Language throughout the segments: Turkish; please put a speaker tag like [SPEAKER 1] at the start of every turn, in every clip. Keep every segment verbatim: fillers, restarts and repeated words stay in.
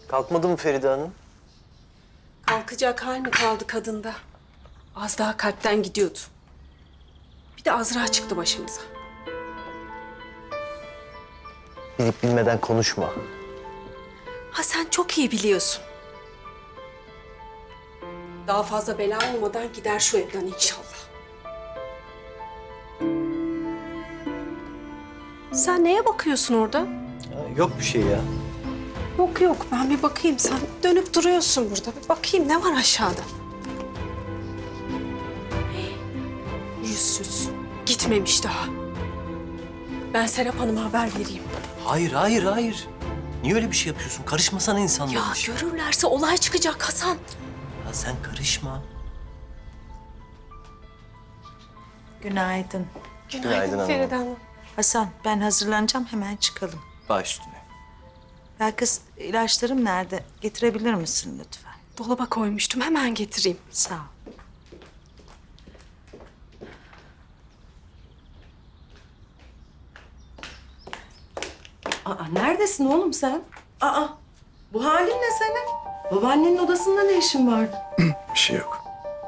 [SPEAKER 1] Kalkmadı mı Feride Hanım?
[SPEAKER 2] Kalkacak hal mi kaldı kadında? Az daha kalpten gidiyordu. Bir de Azra çıktı başımıza.
[SPEAKER 1] Bilip bilmeden konuşma.
[SPEAKER 2] Ha sen çok iyi biliyorsun. Daha fazla bela olmadan gider şu evden inşallah. Sen neye bakıyorsun orada?
[SPEAKER 1] Ya, yok bir şey ya.
[SPEAKER 2] Yok yok ben bir bakayım. Sen dönüp duruyorsun burada. Bir bakayım ne var aşağıda. Yüzsüz. Gitmemiş daha. Ben Serap Hanım'a haber vereyim.
[SPEAKER 1] Hayır, hayır, hayır. Niye öyle bir şey yapıyorsun? Karışmasana insanlara.
[SPEAKER 2] Ya görürlerse olay çıkacak Hasan.
[SPEAKER 1] Ya sen karışma.
[SPEAKER 3] Günaydın.
[SPEAKER 2] Günaydın,
[SPEAKER 1] Günaydın hanım.
[SPEAKER 2] Feride Hanım.
[SPEAKER 3] Hasan, ben hazırlanacağım, hemen çıkalım.
[SPEAKER 1] Baş üstüne.
[SPEAKER 3] Ya kız, ilaçlarım nerede? Getirebilir misin lütfen?
[SPEAKER 2] Dolaba koymuştum. Hemen getireyim.
[SPEAKER 3] Sağ ol.
[SPEAKER 4] Aa, neredesin oğlum sen? Aa, bu halin ne senin? Babaannenin odasında ne işin vardı?
[SPEAKER 5] Bir şey yok.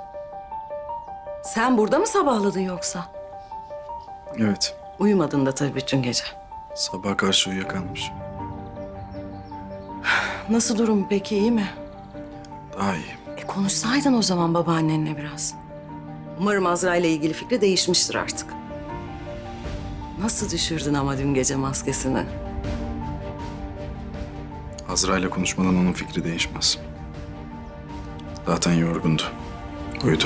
[SPEAKER 4] Sen burada mı sabahladın yoksa?
[SPEAKER 5] Evet.
[SPEAKER 4] Uyumadın da tabii bütün gece.
[SPEAKER 5] Sabaha karşı uyuyakalmış.
[SPEAKER 4] Nasıl durum peki, iyi mi?
[SPEAKER 5] Daha iyi.
[SPEAKER 4] E konuşsaydın o zaman babaannenle biraz. Umarım Azra ile ilgili fikri değişmiştir artık. Nasıl düşürdün ama dün gece maskesini?
[SPEAKER 5] Azra ile konuşmadan onun fikri değişmez. Zaten yorgundu. Uyudu.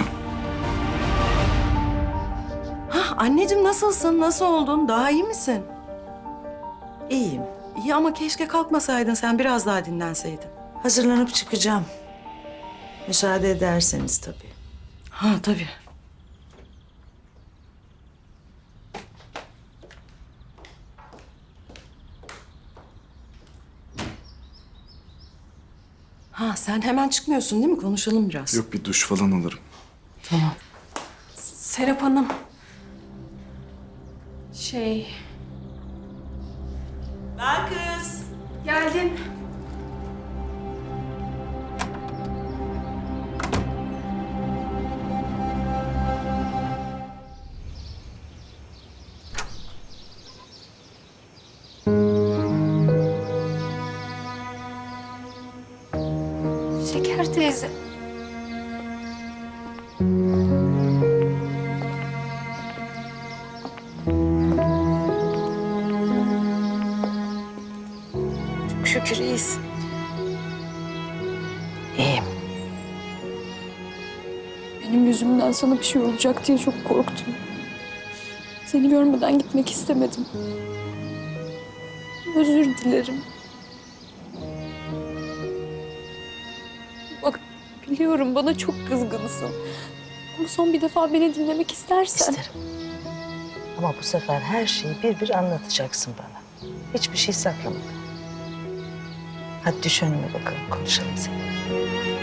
[SPEAKER 4] Hah, anneciğim nasılsın? Nasıl oldun? Daha iyi misin?
[SPEAKER 3] İyiyim.
[SPEAKER 4] İyi ama keşke kalkmasaydın, sen biraz daha dinlenseydin.
[SPEAKER 3] Hazırlanıp çıkacağım. Müsaade ederseniz tabii.
[SPEAKER 4] Ha tabii. Ha sen hemen çıkmıyorsun değil mi? Konuşalım biraz.
[SPEAKER 5] Yok, bir duş falan alırım.
[SPEAKER 4] Tamam.
[SPEAKER 2] Serap Hanım. Şey...
[SPEAKER 3] Ben kız.
[SPEAKER 2] Geldim. Şeker teyze. Çok şükür iyisin.
[SPEAKER 3] İyiyim.
[SPEAKER 6] Benim yüzümden sana bir şey olacak diye çok korktum. Seni görmeden gitmek istemedim. Özür dilerim. Bak biliyorum bana çok kızgınsın. Ama son bir defa beni dinlemek istersen.
[SPEAKER 3] İsterim. Ama bu sefer her şeyi bir bir anlatacaksın bana. Hiçbir şey saklamadım. Hadi düş önüme bakalım, konuşalım seninle.